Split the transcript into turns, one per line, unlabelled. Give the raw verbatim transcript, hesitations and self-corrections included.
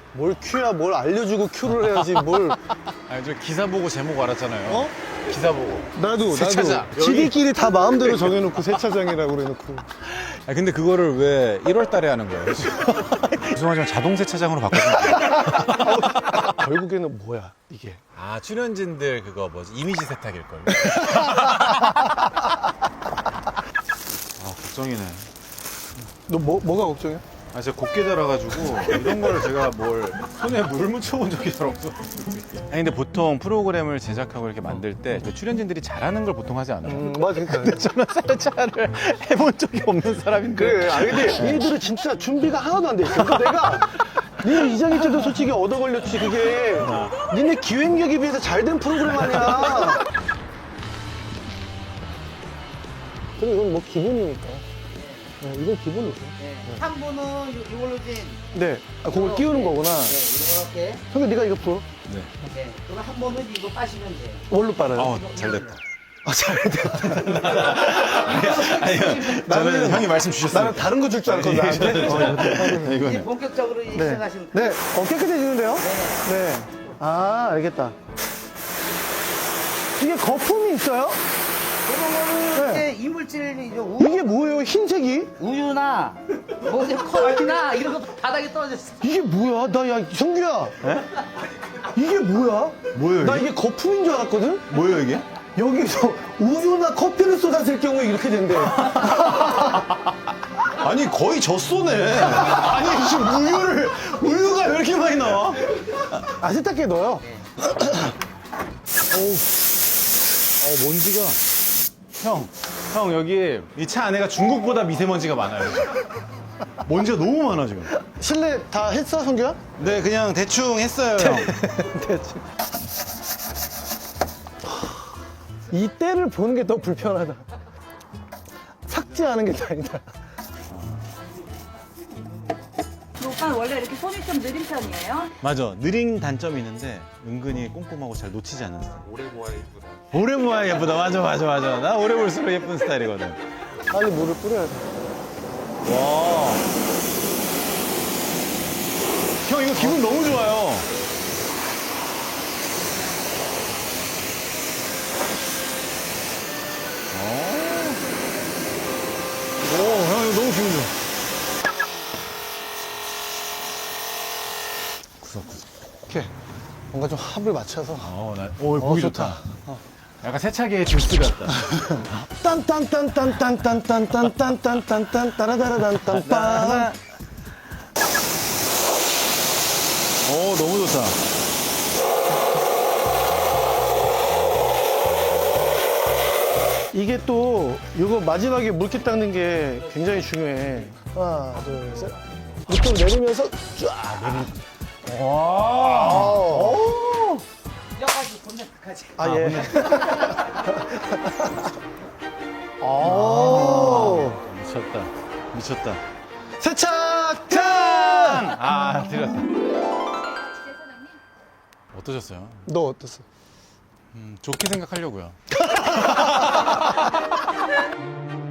뭘 큐야, 뭘 알려주고 큐를 해야지, 뭘.
아니, 저 기사 보고 제목 알았잖아요.
어?
기사 보고.
나도,
세차장.
나도. 지들끼리 다 마음대로 정해놓고 세차장이라고 그래놓고.
아 근데 그거를 왜 일월 달에 하는 거예요? 죄송하지만 자동 세차장으로 바꿔주면 안 돼요?
결국에는 뭐야, 이게.
아 출연진들 그거 뭐지 이미지 세탁일걸. 아 걱정이네.
너 뭐, 뭐가 걱정이야?
아 제가 곱게 자라가지고 이런 거를 제가 뭘 손에 물을 묻혀본 적이 잘 없어. 아니 근데 보통 프로그램을 제작하고 이렇게 만들 때그 출연진들이 잘하는 걸 보통 하지 않아요?
음, 맞아, 그러니까.
저는 세차를 해본 적이 없는 사람인데.
그래, 아 근데 얘들은 진짜 준비가 하나도 안 돼 있어. 그러니까 내가 니네 이장일 때도 솔직히 얻어 걸렸지. 그게 니네 기획력에 비해서 잘 된 프로그램 아니야. 그래 이건 뭐 기본이니까. 네, 이건 기본이죠.
네. 한 분은 이- 이걸로 이제
네, 아, 그걸 끼우는 거구나.
네, 이렇게.
형님 네가 이거 풀어.
네.
네. 그럼 한 번은 이거 빠시면 돼요.
뭘로 빨아요?
어, 잘 됐다.
아, 잘 됐다.
아니요, 저는 형이 말씀 주셨어요.
나는 다른 거 줄 줄 알았거든, 나한테. 어,
이제
이거는.
본격적으로 이제
네.
시작하시면
네, 어, 깨끗해지는데요? 네. 아, 알겠다. 이게 거품이 있어요?
그런 거는
네.
이제 이물질이죠. 우,
이게 뭐예요, 흰색이?
우유나 뭐 이제 커피나 이런 거 바닥에 떨어졌어.
이게 뭐야? 나, 야, 성규야. 이게 뭐야?
뭐예요,
나
이게?
이게 거품인 줄 알았거든?
뭐예요, 이게?
여기서 우유나 커피를 쏟았을 경우에 이렇게 된대.
아니, 거의 젖소네. 아니, 지금 우유를, 우유가 왜 이렇게 많이 나와?
아, 세탁기에 넣어요?
어우, 어, 먼지가. 형, 형, 여기 이 차 안에가 중국보다 미세먼지가 많아요. 먼지가 너무 많아, 지금.
실내 다 했어, 성규야?
네, 그냥 대충 했어요, 형.
대충. 이 때를 보는 게 더 불편하다. 삭제하는 게 다행이다.
오빠는 원래 이렇게 손이 좀 느린 편이에요?
맞아. 느린 단점이 있는데 은근히 꼼꼼하고 잘 놓치지 않는 스타일. 오래 모아야 예쁘다. 오래 모아야 예쁘다. 맞아, 맞아, 맞아. 나 오래 볼수록 예쁜 스타일이거든.
빨리 물을 뿌려야 돼.
와. 형, 이거 기분 너무 좋아요. 오, 형, 이거 너무 기분 좋아. 구석구석.
이렇게 뭔가 좀 합을 맞춰서.
어, 나, 오, 보기
좋다.
좋다. 약간 세차기의 주스 같다.
딴딴딴딴딴딴딴딴딴딴딴 따라다라단딴딴.
오, 너무 좋다.
이게 또 이거 마지막에 물기 닦는 게 굉장히 중요해. 하나, 둘, 셋. 밑으로 내리면서 쫙.
와.
오.
뼈가지고 본네까지.
아, 예. 오.
미쳤다. 미쳤다.
세차탄!
아, 틀렸다. 어떠셨어요?
너 어땠어?
음, 좋게 생각하려고요.